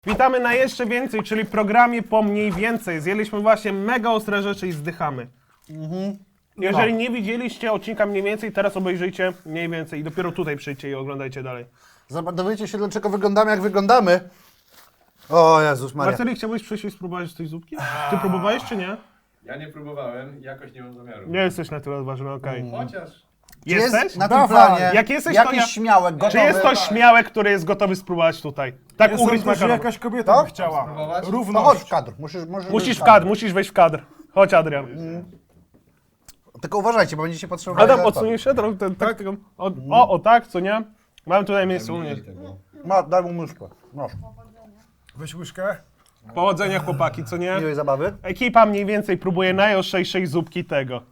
Witamy na jeszcze więcej, czyli programie po mniej więcej. Zjedliśmy właśnie mega ostre rzeczy i zdychamy. Jeżeli nie widzieliście odcinka mniej więcej, teraz obejrzyjcie mniej więcej i dopiero tutaj przyjdźcie i oglądajcie dalej. Dowiecie się, dlaczego wyglądamy, jak wyglądamy. O Jezus Maria. Marceli, chciałbyś przyjść i spróbować tej zupki? Ty próbowałeś czy nie? Ja nie próbowałem, jakoś nie mam zamiaru. Nie jesteś na tyle odważny, okej. Chociaż Jesteś? Jest na tym planie Jak jesteś, to jakiś ja- śmiałek, gotowy. Czy jest to śmiałek, który jest gotowy spróbować tutaj? Tak ugryźć że makaron. jakaś kobieta To? by chciała. Spróbować? To Równość. chodź w kadr. Musisz w kadr, musisz wejść w kadr. Chodź, Adrian. Tylko uważajcie, bo będziecie potrzebowali... Adam, dodatkowo. odsuniesz się trochę, tak? O, tak, co nie? Mam tutaj miejsce u mnie. Daj mu myszkę. Proszę. Weź łyżkę. Powodzenia, chłopaki, co nie? Miłej zabawy. Ekipa mniej więcej próbuje najostrzejszej zupki tego.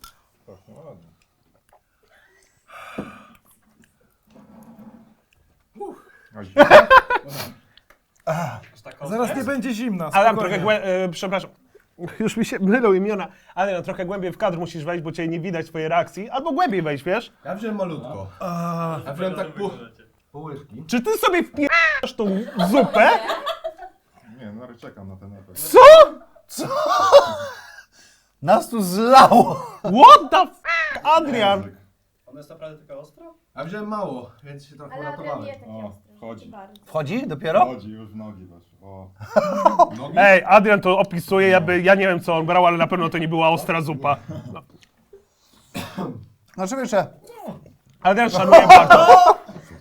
Zaraz nie będzie zimna. Adam, spokojnie. trochę głębiej, przepraszam. Już mi się mylą imiona. Ale no, trochę głębiej w kadr musisz wejść, bo cię nie widać twojej reakcji. Albo głębiej wejść, wiesz? ja wziąłem malutko. Ja wziąłem tak pół łyżki. Czy ty sobie wpierasz tą zupę? Nie, no czekam na ten efekt. Co? Nas tu zlało. What the f***, Adrian? Ona jest naprawdę taka ostra? Ja wziąłem mało, więc się trochę Ale Adrian uratowałem. nie takie O, ostre. chodzi. Bardzo. Wchodzi dopiero? Chodzi już w nogi weszło. O. Nogi? Ej, Adrian to opisuje, ja nie wiem co on brał, ale na pewno to nie była ostra zupa. No. Znaczy wiesz, Adrian szanuje bardzo.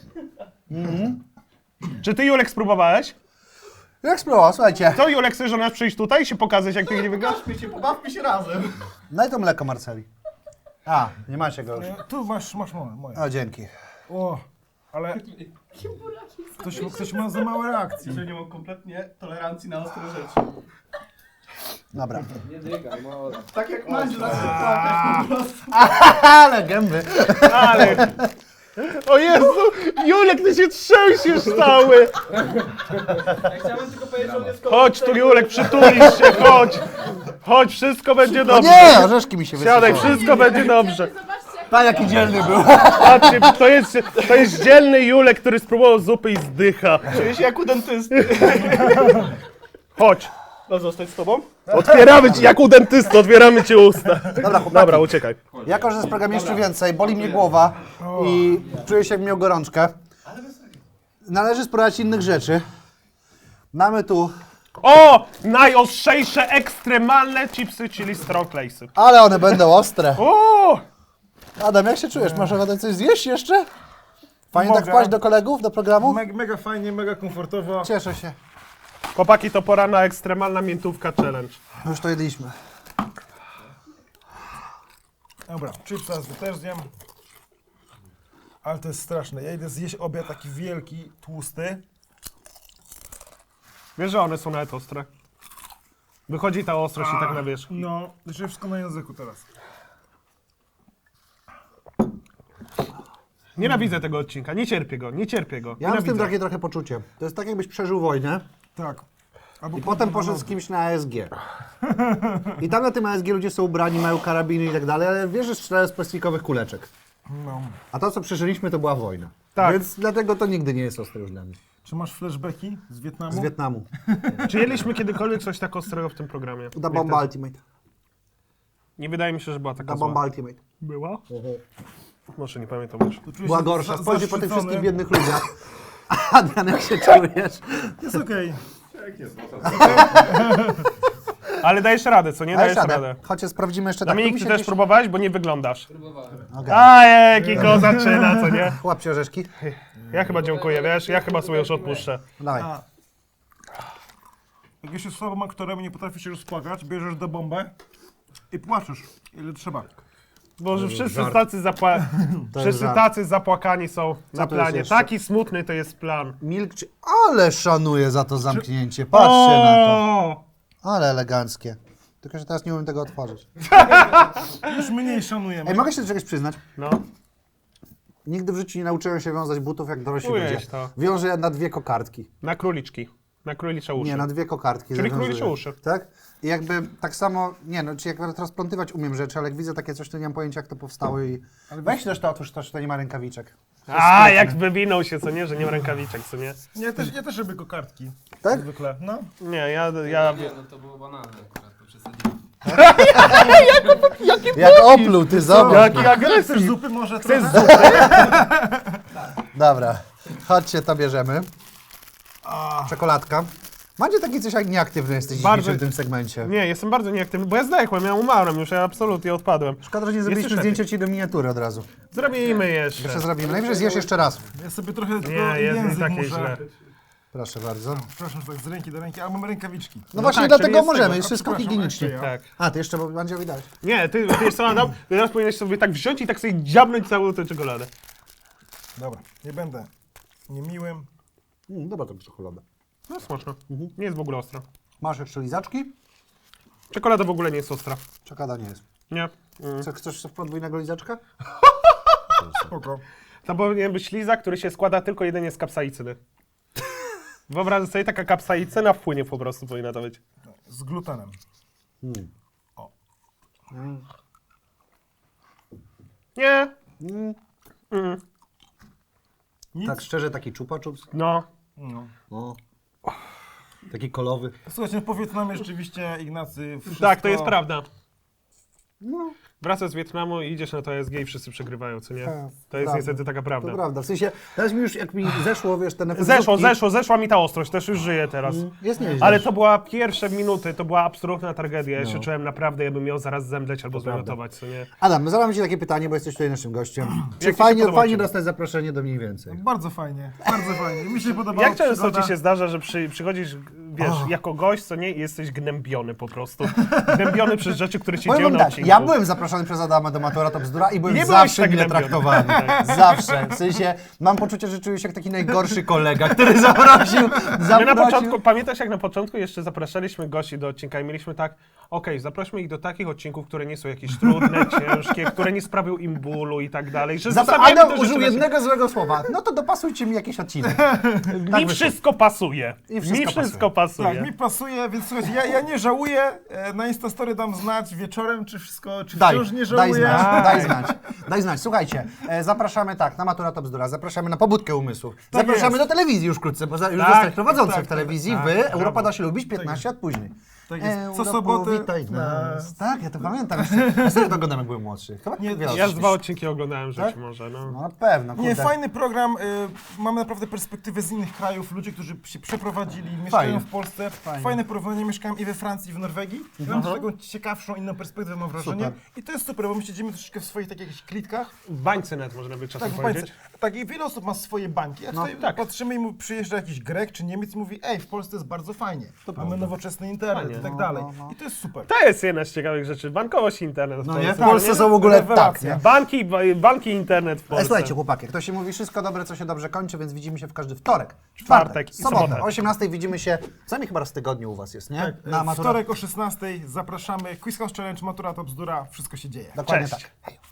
Czy ty, Julek, spróbowałeś? jak spróbował, słuchajcie. Co, Julek, chcesz do nas przyjść tutaj i się pokazać, jak ty nie wyglądasz? Pobawmy się razem. Daj to mleko, Marceli. A, nie macie go już. Tu masz moje. O, dzięki. O, ale... Ktoś ma za małe reakcje. Że nie mam kompletnie tolerancji na ostre rzeczy. Dobra. Nie dygaj, no. Tak jak Mandziu zacznie płakać po prostu. Ale gęby. Ale... O Jezu! Julek, ty się trzęsiesz cały! Ja chciałem tylko powiedzieć, że on jest Chodź tu, Julek, przytulisz się, chodź! Chodź, wszystko będzie No dobrze. nie, orzeszki mi się Siadaj, wysypały. wszystko będzie dobrze. Zobaczcie, jak Pan jaki dzielny był. Patrzcie, to jest dzielny Julek, który spróbował zupy i zdycha. Czuję się jak u dentysty. Chodź. No zostać z tobą? Otwieramy ci, jak u dentysty, otwieramy ci usta. Dobra, chłopaki. Dobra, uciekaj. Jako, że z programu jeszcze więcej, boli mnie głowa i czuję się, jak miał gorączkę. Należy spróbować innych rzeczy. Mamy tu, O! Najostrzejsze, ekstremalne chipsy, czyli Stronglace'y. ale one będą ostre. O! Adam, jak się czujesz? Masz ochotę coś zjeść jeszcze? Fajnie tak Mogę. wpaść do kolegów, do programu? Mega fajnie, mega komfortowo. Cieszę się. Chłopaki, to pora na ekstremalna miętówka challenge. Już to jedliśmy. Dobra, chipsa też zjem. Ale to jest straszne. Ja idę zjeść obiad taki wielki, tłusty. Wiesz, że one są nawet ostre? Wychodzi ta ostrość i tak na wierzch. No, jeszcze wszystko na języku teraz. Nienawidzę tego odcinka, nie cierpię go, nie cierpię go. Ja mam z tym Nienawidzę. trochę poczucie. To jest tak, jakbyś przeżył wojnę Tak. Albo i potem poszedł z kimś na ASG. I tam na tym ASG ludzie są ubrani, mają karabiny i tak dalej, ale wiesz, że strzelają z plastikowych kuleczek. No. A to, co przeżyliśmy, to była wojna. Tak. Więc dlatego to nigdy nie jest ostre już dla mnie. Czy masz flashbacki z Wietnamu? Z Wietnamu. Czy jedliśmy kiedykolwiek coś tak ostrego w tym programie? Da Bomba Ultimate. Nie wydaje mi się, że była taka Da zła. Bomba Ultimate. Była? Może nie pamiętam już. To czuję Była się gorsza. za- Spojrzyj po tych zaszczycony. wszystkich biednych ludziach. Adrian, jak się czujesz? Jest okej. Jak jest? Ale dajesz radę, co nie? Dajesz Dajesz radę. radę. Chociaż sprawdzimy jeszcze tak. Dominik, Tu mi ty się też gdzieś- próbowałeś, bo nie wyglądasz. Okej. A, jaki go zaczyna, co nie? Łap ci orzeszki. Ja chyba dziękuję, wiesz? Ja chyba sobie już odpuszczę. Dawaj. Jak jesteś osobą, aktorem i nie potrafisz się rozpłakać, bierzesz do bombę i płaczesz, ile trzeba. Boże, wszyscy żart. tacy, To jest wszyscy żart. tacy zapłakani są na to jest planie. jeszcze? Taki smutny to jest plan. Milkczy. Ale szanuję za to zamknięcie. Patrzcie na to. O! Ale eleganckie. Tylko, że teraz nie umiem tego otworzyć. Już mniej szanujemy. Ej, mogę się do czegoś przyznać? No. Nigdy w życiu nie nauczyłem się wiązać butów jak dorośli Ujej ludzie. to. Wiążę na dwie kokardki. Na króliczki. Na królicze uszy. Nie, na dwie kokardki. Czyli zawiązuję. królicze uszy. Tak? I jakby tak samo, nie no, czy jak transplantywać umiem rzeczy, ale jak widzę takie coś, to nie mam pojęcia jak to powstało i... Ale weź też to, otóż to, że to nie ma rękawiczek. A, jak wywinął się, co nie, że nie ma rękawiczek, co nie? Ja też robię kokardki. Tak? Zwykle, no. Nie, ja Nie, no to było banalne akurat, to przesadziłem. Jak opluł, ty zobacz. Jaki Chcesz agresywny. zupy może Chcesz trochę? zupy? Dobra, chodźcie, to bierzemy. Czekoladka. Macie taki coś jak nieaktywny jesteś Bardzo- dzisiaj w tym segmencie. Nie, jestem bardzo nieaktywny, bo ja zdechłem, ja umarłem już, ja absolutnie odpadłem. Szkoda, że nie zrobiliśmy Jeszcze zdjęcia ci do miniatury od razu. Zrobimy jeszcze. Jeszcze zrobimy. Najwyżej zjesz jeszcze raz. Ja sobie trochę tylko Nie, jest nie język takie muszę... źle. Proszę bardzo. Przepraszam, że tak z ręki do ręki, ale mam rękawiczki. No właśnie tak, dlatego czyli jest możemy, tego. jest wszystko Przepraszam, higienicznie. jeszcze ja. Tak. A, ty jeszcze Mandziowi dać. Nie, ty jeszcze co Adam, ty teraz powinieneś sobie tak wziąć i tak sobie dziabnąć całą tę czekoladę. Dobra, nie będę niemiłym. Dobra, to czekolada. No smaczne. Nie jest w ogóle ostra. Masz jeszcze lizaczki? Czekolada w ogóle nie jest ostra. Czekolada nie jest. Nie. Chcesz podwójnego lizaczka? Spoko. To powinien być lizak, który się składa tylko jedynie z kapsaicyny. Wyobraź sobie, taka kapsaicyna wpłynie po prostu, powinna to być. Z glutenem. Nie. Nic? Tak szczerze, taki chupa chups. No. No. O. Taki kolowy. Słuchajcie, no po Wietnamie rzeczywiście, Ignacy, wszystko... Tak, to jest prawda. No, Wracasz z Wietnamu i idziesz na to ESG i wszyscy przegrywają, co nie? Tak, To jest prawda. niestety taka prawda. to prawda. W sensie, teraz mi już, jak mi zeszło, wiesz, ten efekt Zeszła mi ta ostrość, też już żyję teraz. Jest nieźle. Ale to była pierwsze minuty, to była absolutna tragedia. Ja się czułem naprawdę, jakbym miał zaraz zemdleć albo zwymiotować, co nie? Adam, no zadam ci takie pytanie, bo jesteś tutaj naszym gościem. Czy Jak ci się fajnie, podoba fajnie ciebie? dostać zaproszenie do mniej więcej? Bardzo fajnie, bardzo fajnie. Mi się podobało. Jak często przygoda. ci się zdarza, że przychodzisz, wiesz, jako gość, co nie, i jesteś gnębiony po prostu. Gnębiony przez rzeczy, które się Powiem dzieją wam na tak, odcinku. ja byłem zaproszony przez Adama do Matura to bzdura i byłem Nie byłeś zawsze tak mile gnębiony. traktowany. Zawsze. W sensie, mam poczucie, że czuję się jak taki najgorszy kolega, który zaprosił. My na początku, pamiętasz jak na początku jeszcze zapraszaliśmy gości do odcinka i mieliśmy tak, okej, zaprośmy ich do takich odcinków, które nie są jakieś trudne, ciężkie, które nie sprawią im bólu i tak dalej. Że zostawiamy Adam te użył rzeczy na siebie. jednego złego słowa. No to dopasujcie mi jakiś odcinek. Mi wszystko pasuje. I wszystko Mi wszystko pasuje. Tak, mi pasuje, więc słuchajcie, ja nie żałuję. Na Instastory dam znać wieczorem, czy wszystko, czy Daj, wciąż nie daj żałuję. znać, daj znać. Daj znać. Słuchajcie, zapraszamy tak, na Matura to bzdura, zapraszamy na pobudkę umysłów. Zapraszamy jest. do telewizji już wkrótce, bo już Tak, zostać prowadzący tak, w telewizji. tak, Wy, tak, Europa brawo. da się lubić 15 lat później. Tak jest. Co Europo, sobotę witaj nas. Tak, ja to pamiętam. Ja sobie to oglądam, jak byłem młodszy. Chyba Nie, nie wiele. Ja z 2 odcinki oglądałem rzeczy Tak? może, no. No na pewno, kurde. Nie, fajny program. Mamy naprawdę perspektywę z innych krajów, ludzi, którzy się przeprowadzili, mieszkają Fajnie. w Polsce. Fajne porównanie, mieszkałem i we Francji, i w Norwegii. I mam też taką ciekawszą, inną perspektywę, mam wrażenie. Super. I to jest super, bo my siedzimy troszeczkę w swoich takich jakichś klitkach. W bańce net można by czasem Tak, w bańce. powiedzieć. Tak, i wiele osób ma swoje bańki. A tutaj tak. patrzymy i przyjeżdża jakiś Grek czy Niemiec i mówi, ej, w Polsce jest bardzo fajnie. Mamy nowoczesny internet Fajnie. i tak dalej. I to jest super. To jest jedna z ciekawych rzeczy. Bankowość i internet. No to nie, jest w Polsce są w ogóle tak, Rewelacja. nie? Banki i internet w Polsce. Słuchajcie, chłopaki, jak to się mówi, wszystko dobre, co się dobrze kończy, więc widzimy się w każdy wtorek, Czwartek i sobotę. sobotę. O 18 widzimy się, co najmniej chyba raz w tygodniu u was jest, nie? Tak, wtorek o 16:00 zapraszamy. Quiz House Challenge, Matura to bzdura, wszystko się dzieje. Dokładnie Cześć. tak. Hej.